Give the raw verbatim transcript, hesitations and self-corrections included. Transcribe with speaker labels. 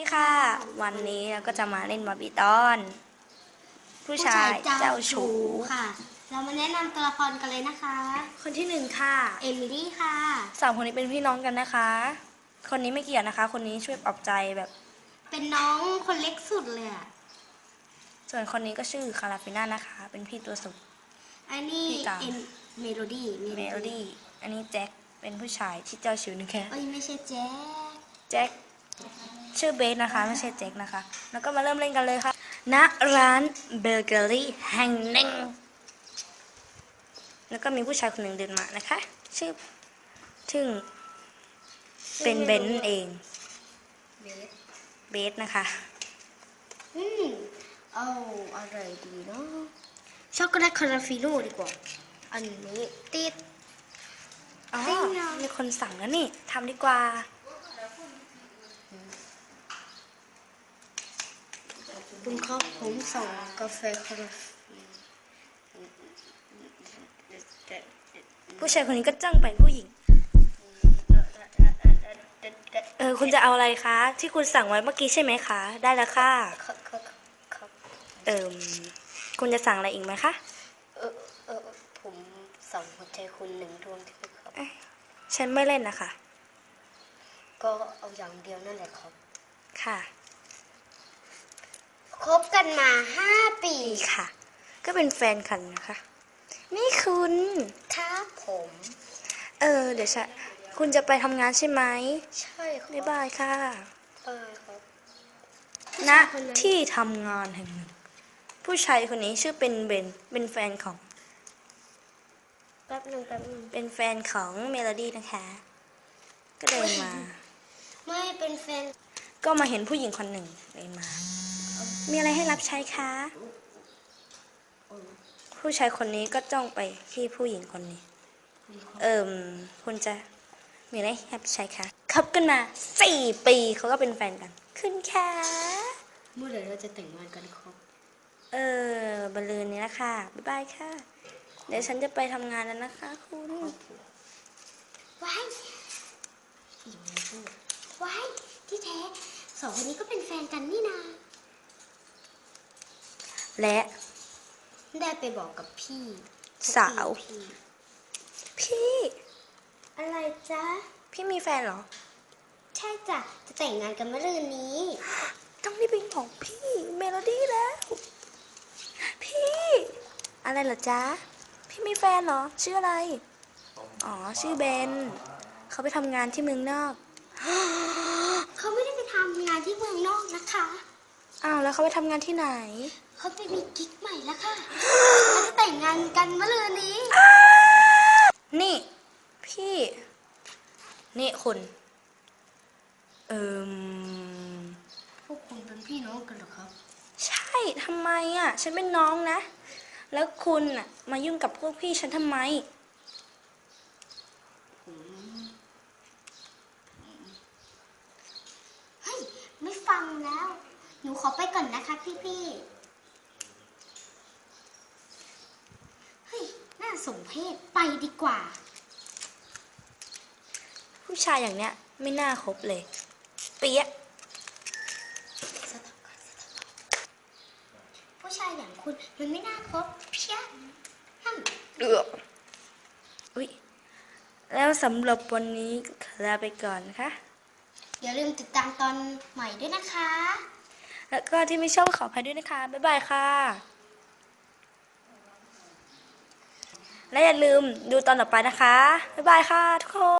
Speaker 1: ดีค่ะวันนี้เราก็จะมาเล่นบาร์บี้ตอนผู้ชายเจ้าชู้
Speaker 2: ค่ะเรามาแนะนำตัวละครกันเลยนะคะ
Speaker 1: คนที่หนึ่งค่ะ
Speaker 2: เอมิลี่ค่ะ
Speaker 1: สามคนนี้เป็นพี่น้องกันนะคะคนนี้ไม่เกี่ยวนะคะ คนนี้ช่วยปลอบใจแบบ
Speaker 2: เป็นน้องคนเล็กสุดเลยอะ
Speaker 1: ส่วนคนนี้ก็ชื่อคาราฟิน่านะคะเป็นพี่ตัวสุด
Speaker 2: อันนี้เอ็นเมโลดี้
Speaker 1: เมโลดี้อันนี้แจ็คเป็นผู้ชายที่เจ้าชู้นี่แค่
Speaker 2: เอ้ยไม่ใช่แจ็ค
Speaker 1: แจ็คชื่อเบสนะคะไม่ใช่แจ็คนะคะแล้วก็มาเริ่มเล่นกันเลยค่ะณร้านเบเกอรี่แห่งหนึ่งแล้วก็มีผู้ชายคนหนึ่งเดินมานะคะชื่อซึ่งเป็นเบนเอง
Speaker 2: เบส
Speaker 1: เบสนะคะ
Speaker 2: อืมเอาอะไรดีเนาะช็อกโกแลตคาราฟิโน่ดีกว่าอันนี้ติด
Speaker 1: อ๋อมีคนสั่งแล้วนี่ทำดีกว่า
Speaker 2: คุณครับผมสั่งกาแฟคาราฟิ
Speaker 1: ผู้ชายคนนี้ก็จ้องไปผู้หญิงเออคุณจะเอาอะไรคะที่คุณสั่งไว้เมื่อกี้ใช่ไหมคะได้แล้วค่ะเออคุณจะสั่งอะไรอีกไหมคะ
Speaker 2: เออเออผมสั่งหัวใจคุณหนึ่งดวงที่ครับ
Speaker 1: ฉันไม่เล่นนะคะ
Speaker 2: ก็เอาอย่างเดียวนั่นแหละครับ
Speaker 1: ค่ะ
Speaker 2: คบกันมาห้าปี
Speaker 1: ค่ะก็เป็นแฟนกันนะคะนี่คุณ
Speaker 2: ครับผม
Speaker 1: เออเดี๋ยวฉันคุณจะไปทำงานใช่ไหม
Speaker 2: ใช่ครับ
Speaker 1: บ๊ายบายค่ะ
Speaker 2: เออครับ
Speaker 1: ณที่ทำงานแห่งหนึ่งผู้ชายคนนี้ชื่อเป็นเบนเป็นแฟนของ
Speaker 2: แป๊บนึงแป๊บนึง
Speaker 1: เป็นแฟนของเมโลดี้นะคะก็เดินมา
Speaker 2: ไม่เป็นแฟน
Speaker 1: ก็มาเห็นผู้หญิงคนหนึ่งเดินมามีอะไรให้รับใช้คะผู้ชายคนนี้ก็จ้องไปที่ผู้หญิงคนนี้เอิมคุณจะมีอะไรให้รับใช้คะคบกันมาสี่ปีเขาก็เป็นแฟนกันขึ้นค่ะ
Speaker 2: เมื่อไหร่เราจะแต่งงานกันครับ
Speaker 1: เออบรรลืนนี้ละค่ะบ๊ายบายค่ะเดี๋ยวฉันจะไปทำงานแล้วนะคะคุณ
Speaker 2: ว้ายว้ายที่แท้สองคนนี้ก็เป็นแฟนกันนี่นา
Speaker 1: และ
Speaker 2: ได้ไปบอกกับพี่
Speaker 1: สาวพี่
Speaker 2: อะไรจ๊ะ
Speaker 1: พี่มีแฟนเหรอ
Speaker 2: ใช่จ้ะจะแต่งงานกันเมื่อรืนนี้
Speaker 1: ต้องรีบไปบอกพี่เมโลดี้แล้วพี่อะไรเหรอจ๊ะพี่มีแฟนเหรอชื่ออะไรอ๋อชื่อเบนเขาไปทำงานที่เมืองนอก
Speaker 2: เขาไม่ได้ไปทำงานที่เมืองนอกนะคะ
Speaker 1: อ้าวแล้วเขาไปทำงานที่ไหน
Speaker 2: เขาไปมีกิ๊กใหม่แล้วค่ะเขาจะแต่งงานกันเมื่อรืนนี้
Speaker 1: นี่พี่นี่คุณเอิม
Speaker 2: พวกคุณเป็นพี่น้องกันเหรอครับ
Speaker 1: ใช่ทำไมอ่ะฉันเป็นน้องนะแล้วคุณอ่ะมายุ่งกับพวกพี่ฉันทำไม
Speaker 2: เฮ้ยไม่ฟังแล้วหนูขอไปก่อนนะคะพี่พี่เฮ้ยน่าสมเพชไปดีกว่า
Speaker 1: ผู้ชายอย่างเนี้ยไม่น่าคบเลยเปี๊ยะ
Speaker 2: ผู้ชายอย่างคุณมันไม่น่าคบเพี้ย
Speaker 1: เดือดอุ้ยแล้วสำหรับวันนี้ขอลาไปก่อนนะคะ
Speaker 2: อย่าลืมติดตามตอนใหม่ด้วยนะคะ
Speaker 1: แล้วก็ที่ไม่ชอบขออภัยด้วยนะคะบ๊ายบายค่ะและอย่าลืมดูตอนต่อไปนะคะบ๊ายบายค่ะทุกคน